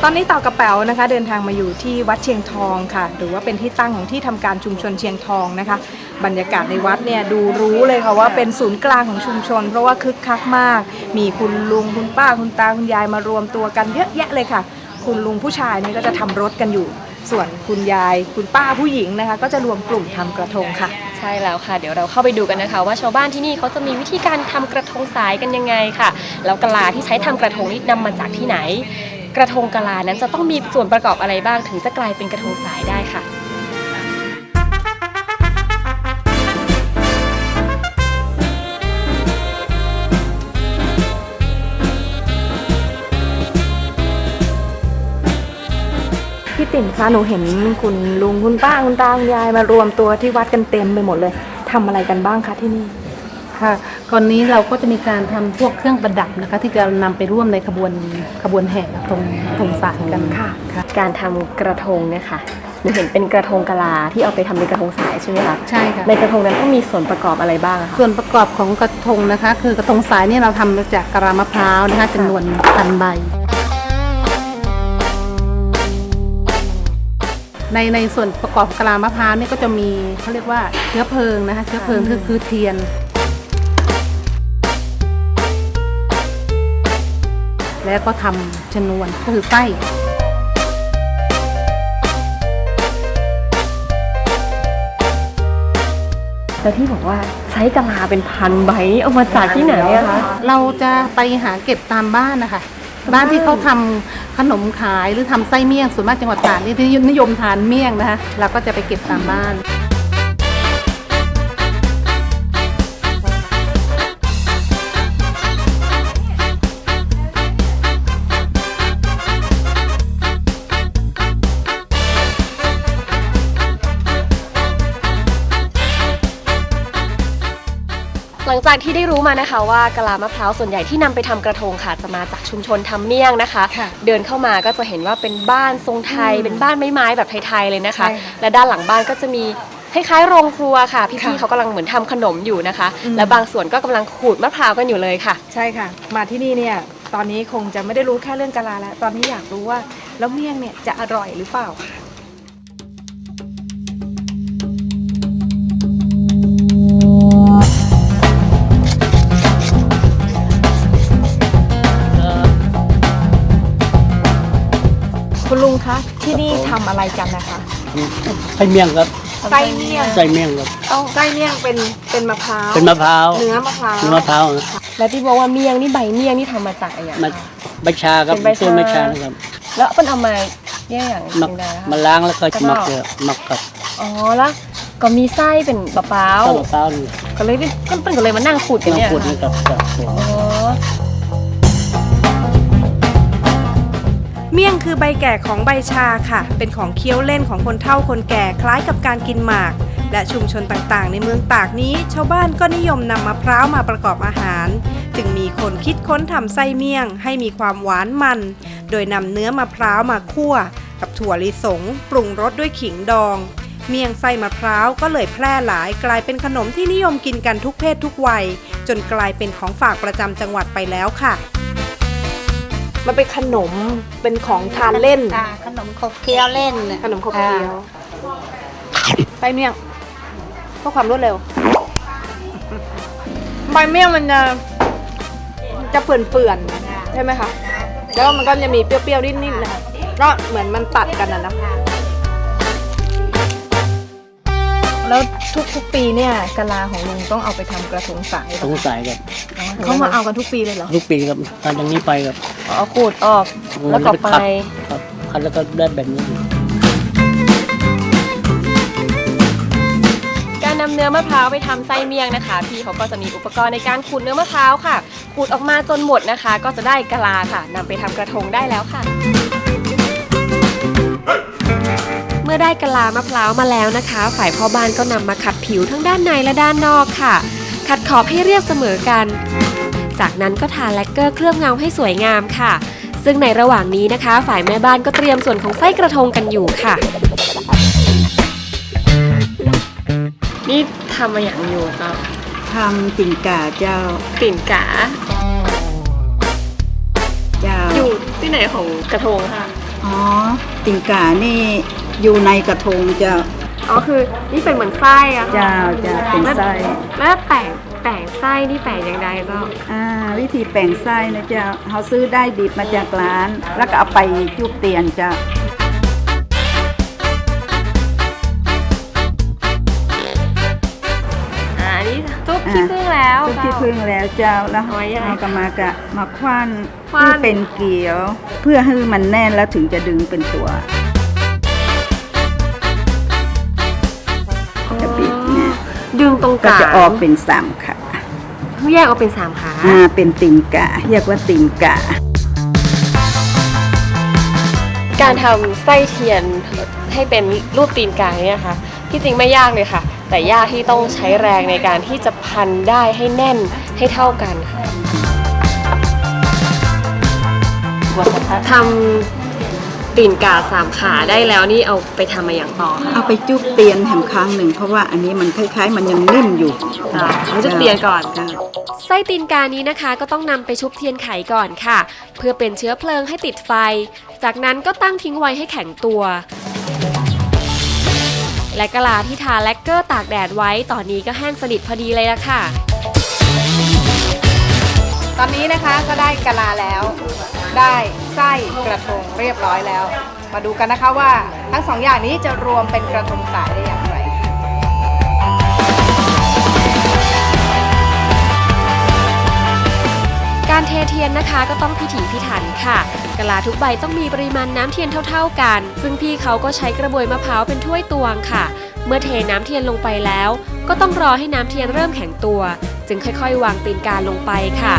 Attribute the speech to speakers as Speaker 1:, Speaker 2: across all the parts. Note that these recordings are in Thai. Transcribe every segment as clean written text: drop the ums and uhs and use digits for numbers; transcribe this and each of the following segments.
Speaker 1: ตอนนี้ต่อกระเป๋านะคะเดินทางมาอยู่ที่วัดเชียงทองค่ะหรือว่าเป็นที่ตั้งของที่ทำการชุมชนเชียงทองนะคะบรรยากาศในวัดเนี่ยดูรู้เลยค่ะว่าเป็นศูนย์กลางของชุมชนเพราะว่าคึกคักมากมีคุณลุงคุณป้าคุณตาคุณยายมารวมตัวกันเยอะแยะเลยค่ะคุณลุงผู้ชายนี่ก็จะทำรถกันอยู่ส่วนคุณยายคุณป้าผู้หญิงนะคะก็จะรวมกลุ่มทำกระทงค่ะ
Speaker 2: ใช่แล้วค่ะเดี๋ยวเราเข้าไปดูกันนะคะว่าชาวบ้านที่นี่เขาจะมีวิธีการทำกระทงสายกันยังไงค่ะแล้วกะลาที่ใช้ทำกระทงนี้นำมาจากที่ไหนกระทงกะลานั้นจะต้องมีส่วนประกอบอะไรบ้างถึงจะกลายเป็นกระทงสายได้ค่ะ
Speaker 1: พี่ติ๋มคะหนูเห็นคุณลุงคุณป้าคุณตาคุณยายมารวมตัวที่วัดกันเต็มไปหมดเลยทำอะไรกันบ้างคะที่นี่
Speaker 3: ค่ะก่อนนี้เราก็จะมีการทำพวกเครื่องประดับนะคะที่จะนำไปร่วมในขบวนแห่กระทงสายกันค่ะ
Speaker 2: การทำกระทงเนี่ยค่ะหนูเห็นเป็นกระทงกะลาที่เอาไปทำเป็นกระทงสายใช่ไหมคะ
Speaker 3: ใช่ค่ะ
Speaker 2: ในกระทงนั้นต้องมีส่วนประกอบอะไรบ้างคะ
Speaker 3: ส่วนประกอบของกระทงนะคะคือกระทงสายนี่เราทำมาจากกะลามะพร้าวนะคะจำนวน1,000 ใบในส่วนประกอบกะลามะพร้าวนี่ก็จะมีเขาเรียกว่าเชื้อเพลิงนะคะเชื้อเพลิงคือเทียนแล้วก็ทำชนวนก็คือไส้
Speaker 2: แล้วที่บอกว่าใช้กะลาเป็น1,000 ใบเอามาจากที่ไหนอะคะ
Speaker 3: เราจะไปหาเก็บตามบ้านนะคะบ้านที่เขาทำขนมขายหรือทำไส้เมี่ยงส่วนมากจังหวัดตราดนี่ที่นิยมทานเมี่ยงนะคะเราก็จะไปเก็บตามบ้าน
Speaker 2: หลังจากที่ได้รู้มานะคะว่ากะลามะพร้าวส่วนใหญ่ที่นำไปทำกระทงค่ะจะมาจากชุมชนทำเมี่ยงนะคะเดินเข้ามาก็จะเห็นว่าเป็นบ้านทรงไทยเป็นบ้านไม้ๆแบบไทยๆเลยนะคะและด้านหลังบ้านก็จะมีคล้ายๆโรงครัวค่ะพี่ๆเขากำลังเหมือนทำขนมอยู่นะคะและบางส่วนก็กำลังขูดมะพร้าวกันอยู่เลยค่ะ
Speaker 1: ใช่ค่ะมาที่นี่เนี่ยตอนนี้คงจะไม่ได้รู้แค่เรื่องกะลาแล้วตอนนี้อยากรู้ว่าแล้วเมี่ยงเนี่ยจะอร่อยหรือเปล่าค่ะคุณลุงคะที่นี่ทำอะไรกันนะคะ
Speaker 4: ไส้เมี่ยงครับ
Speaker 1: ไส้เมี่ยง
Speaker 4: ไส้เมี่ยงครับ
Speaker 1: ไส้เมี่ยงเป็นมะพร้าว
Speaker 4: เป็นมะพร้าว
Speaker 1: เนื้อมะพร้าว
Speaker 2: แล้วที่บอกว่าเมี่ยงนี่ใบเมี่ยงนี่ทำมาจากอะไรอย่าง
Speaker 4: ใบชาครับต้นใบชานะครับ
Speaker 2: แล้วเป็นเอามาเนี่ยอย่าง
Speaker 4: มาล้างแล้วก็หมักกับ
Speaker 2: อ๋อแล้วก็มีไส้เป็นมะพร้าวก็เลยเป็นก็เลยมานั่งขูดกันเนี่ย
Speaker 4: ค่ะ
Speaker 2: อ๋อ
Speaker 1: เมี่ยงคือใบแก่ของใบชาค่ะเป็นของเคี้ยวเล่นของคนเฒ่าคนแก่คล้ายกับการกินหมากและชุมชนต่างๆในเมืองตากนี้ชาวบ้านก็นิยมนำมะพร้าวมาประกอบอาหารจึงมีคนคิดค้นทำไส้เมี่ยงให้มีความหวานมันโดยนำเนื้อมะพร้าวมาคั่วกับถั่วลิสงปรุงรสด้วยขิงดองเมี่ยงไส้มะพร้าวก็เลยแพร่หลายกลายเป็นขนมที่นิยมกินกันทุกเพศทุกวัยจนกลายเป็นของฝากประจำจังหวัดไปแล้วค่ะมันเป็นขนมเป็นของทานเล่น
Speaker 3: ขนมขบเคี้ยวเล่น
Speaker 1: ขนมขบเคี้ยวไส้เมี่ยงเพื่อความรวดเร็วใบเมี่ยงมันจะเปื่อนๆใช่ไหมคะแล้วมันก็จะมีเปรี้ยวๆนิดๆนะก็เหมือนมันตัดกันนะแล้วทุกปีเนี่ยกะลาของลุงต้องเอาไปทำกระทงสาย
Speaker 4: กระทงสายครับ
Speaker 1: เขามาเอากันทุกปีเลยเหรอ
Speaker 4: ทุกปีครับตอนอย่างนี้ไปครับ
Speaker 2: เอาขูดออกแล้วก็ไป
Speaker 4: ครับคัดแล้วก็ได้แบบนี้
Speaker 2: การนำเนื้อมะพร้าวไปทำไส้เมี่ยงนะคะพี่เขาก็จะมีอุปกรณ์ในการขูดเนื้อมะพร้าวค่ะขูดออกมาจนหมดนะคะก็จะได้กะลาค่ะนำไปทำกระทงได้แล้วค่ะเมื่อได้กะลามะพร้าวมาแล้วนะคะฝ่ายพ่อบ้านก็นำมาขัดผิวทั้งด้านในและด้านนอกค่ะขัดขอบให้เรียบเสมอกันจากนั้นก็ทาแลกเกอร์เคลือบเงาให้สวยงามค่ะซึ่งในระหว่างนี้นะคะฝ่ายแม่บ้านก็เตรียมส่วนของไส้กระทงกันอยู่ค่ะนี่ทำมาอย่างอยู่ครับ
Speaker 3: ทำปิ่นกาเจ้า
Speaker 2: ปิ่นกา
Speaker 3: เจ้า
Speaker 2: อยู่ที่ไหนของกระทงค่ะ
Speaker 5: อ๋อติ่งก่านี่อยู่ในกระทงเจ้า
Speaker 2: อ๋อคือนี่เป็นเหมือนไส้อะค่ะ
Speaker 5: เจ้าจะเป็นไส้
Speaker 2: แล้วแป่งไส้นี่แป่งอย่างไรเจ้า
Speaker 5: วิธีแป่งไส้นะเจ้าเขาซื้อได้ดิบมาจากร้าน แล้วก็เอาไปจุบเตียนเจ้า
Speaker 2: อันนี้จุ๊บขี้ผึ้งแล้ว
Speaker 5: จุบที่พึ่งแล้วเจ้าแล้ว
Speaker 2: เอาไว้ยังไง
Speaker 5: เราก็มาคว้าน
Speaker 2: คว้าน
Speaker 5: เพื่อเป็นเกลียว เพื่อให้มันแน่นแล้วถึงจะดึงเป็นตัวจะบิดเนี่ย
Speaker 2: ดึงตรง
Speaker 5: ก็
Speaker 2: กลาง
Speaker 5: จะออกเป็นสามขา
Speaker 2: แยกออกเป็น3ขา
Speaker 5: เป็นติ่งกะเรียกว่าติ่งกะ
Speaker 2: การทำไส้เทียนให้เป็นรูปตีนกาเนี่ยค่ะที่จริงไม่ยากเลยค่ะ แต่ยากที่ต้องใช้แรงในการที่จะพันได้ให้แน่นให้เท่ากันค่ะทำตีนกา3ขาได้แล้วนี่เอาไปทำมาอย่างต่อค่ะ
Speaker 5: เอาไปจุบเตียนแถมครั้งหนึ่งเพราะว่าอันนี้มันคล้ายๆ มันยังนิ่มอยู่
Speaker 2: เราจะเตียนก่อน
Speaker 5: จ้ะ
Speaker 6: ไส้ตีนกานี้นะคะก็ต้องนำไปชุบเทียนไขก่อนค่ะ เพื่อเป็นเชื้อเพลิงให้ติดไฟ จากนั้นก็ตั้งทิ้งไว้ให้แข็งตัว และกะลาที่ทาแลกเกอร์ตากแดดไว้ตอนนี้ก็แห้งสนิทพอดีเลยละค่ะ
Speaker 1: ตอนนี้นะคะก็ได้กะลาแล้ว ได้ไส้กระทงเรียบร้อยแล้ว มาดูกันนะคะว่าทั้งสองอย่างนี้จะรวมเป็นกระทงสายได้อย่างไร
Speaker 6: การเทเทียนนะคะก็ต้องพิถีพิถันค่ะกะลาทุกใบต้องมีปริมาณน้ำเทียนเท่าๆกัน ซึ่งพี่เขาก็ใช้กระบวยมะพร้าวเป็นถ้วยตวงค่ะ เมื่อเทน้ำเทียนลงไปแล้ว ก็ต้องรอให้น้ำเทียนเริ่มแข็งตัว จึงค่อยๆ วางตีนกาลงไปค่ะ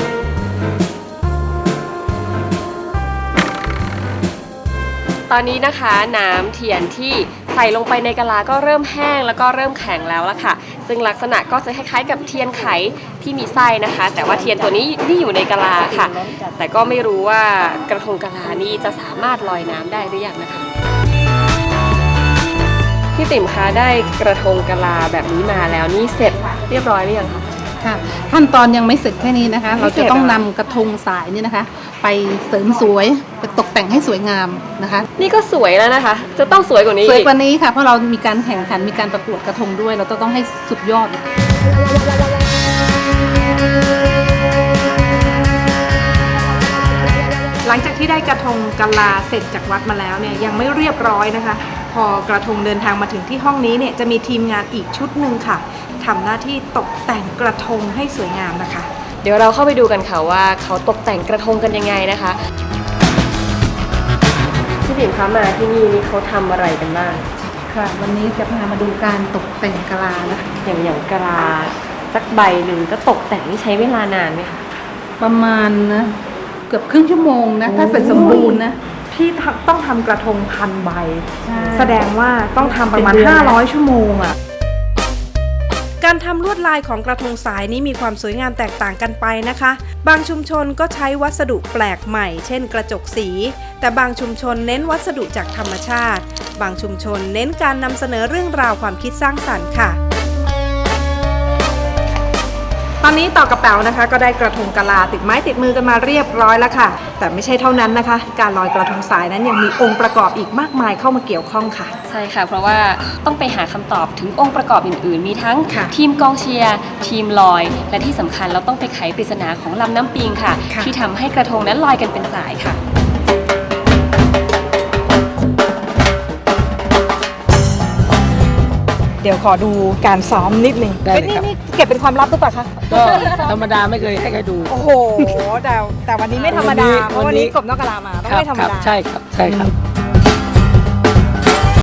Speaker 2: ตอนนี้นะคะน้ำเทียนที่ใส่ลงไปในกะลาก็เริ่มแห้งแล้วก็เริ่มแข็งแล้วละค่ะ ซึ่งลักษณะก็จะคล้ายๆกับเทียนไขที่มีไส้นะคะ แต่ว่าเทียนตัวนี้นี่อยู่ในกะลาค่ะ แต่ก็ไม่รู้ว่ากระทงกะลานี่จะสามารถลอยน้ำได้หรือยังนะคะพี่ติ๋มคะได้กระทงกะลาแบบนี้มาแล้วนี่เสร็จเรียบร้อยหรือยังคะ
Speaker 3: ค่ะขั้นตอนยังไม่เสร็จแค่นี้นะคะ เราจะต้องนำกระทงสายนี่นะคะ ไปเสริมสวยไปตกแต่งให้สวยงามนะคะ
Speaker 2: นี่ก็สวยแล้วนะคะ จะต้องสวยกว่านี้
Speaker 3: สวย
Speaker 2: อีก
Speaker 3: กว่านี้ค่ะเพราะเรามีการแข่งขันมีการประกวดกระทงด้วย เราต้องให้สุดยอด
Speaker 1: หลังจากที่ได้กระทงกะลาเสร็จจากวัดมาแล้วเนี่ยยังไม่เรียบร้อยนะคะ พอกระทงเดินทางมาถึงที่ห้องนี้เนี่ยจะมีทีมงานอีกชุดหนึ่งค่ะทำหน้าที่ตกแต่งกระทงให้สวยงามนะคะ
Speaker 2: เดี๋ยวเราเข้าไปดูกันค่ะว่าเขาตกแต่งกระทงกันยังไงนะคะพี่ติ๋มคะมาที่นี่นี่เขาทำอะไรกันบ้าง
Speaker 3: ค่ะ วันนี้จะพามาดูการตกแต่งกะลานะคะ
Speaker 2: อย่างกะลาสักใบหนึ่งก็ตกแต่งนี่ใช้เวลานานไหมคะ
Speaker 3: ประมาณนะเกือบครึ่งชั่วโมงนะถ้าเสร็จสมบูรณ์นะ
Speaker 1: ที่ต้องทำกระทง1,000 ใบ
Speaker 3: ใช่
Speaker 1: แสดงว่าต้องทำประมาณ
Speaker 3: เป็นเดือนนะ
Speaker 1: 500 ชั่วโมงอะการทำลวดลายของกระทงสายนี้มีความสวยงามแตกต่างกันไปนะคะ บางชุมชนก็ใช้วัสดุแปลกใหม่ เช่นกระจกสี แต่บางชุมชนเน้นวัสดุจากธรรมชาติ บางชุมชนเน้นการนำเสนอเรื่องราวความคิดสร้างสรรค์ค่ะ ตอนนี้ต่อกระเป๋านะคะ ก็ได้กระทงกะลาติดไม้ติดมือกันมาเรียบร้อยแล้วค่ะ แต่ไม่ใช่เท่านั้นนะคะ การลอยกระทงสายนั้นยังมีองค์ประกอบอีกมากมายเข้ามาเกี่ยวข้องค่ะ
Speaker 2: ใช่ค่ะ เพราะว่าต้องไปหาคำตอบถึงองค์ประกอบอื่นๆ มีทั้ง
Speaker 1: ค่ะ
Speaker 2: ทีมกองเชียร์ทีมลอย และที่สำคัญเราต้องไปไขปริศนาของลำน้ำปิงค่ะ
Speaker 1: ค่ะ
Speaker 2: ที่ทำให้กระทงนั้นลอยกันเป็นสายค่ะ
Speaker 1: เดี๋ยวขอดูการซ้อมนิดนึง
Speaker 4: ได้เลยครับ
Speaker 1: นี่เก็บเป็นความลับหรือเปล่าคะ
Speaker 4: ก็ธรรมดาไม่เคยให้ใครดู
Speaker 1: โอ้โหแต่วันนี้ไม่ธรรมดา เพราะวันนี้กบนอกกะลามาต้องไม่ธรรม
Speaker 4: ครับ
Speaker 1: ดา
Speaker 4: ใช่ครับใช่ครับ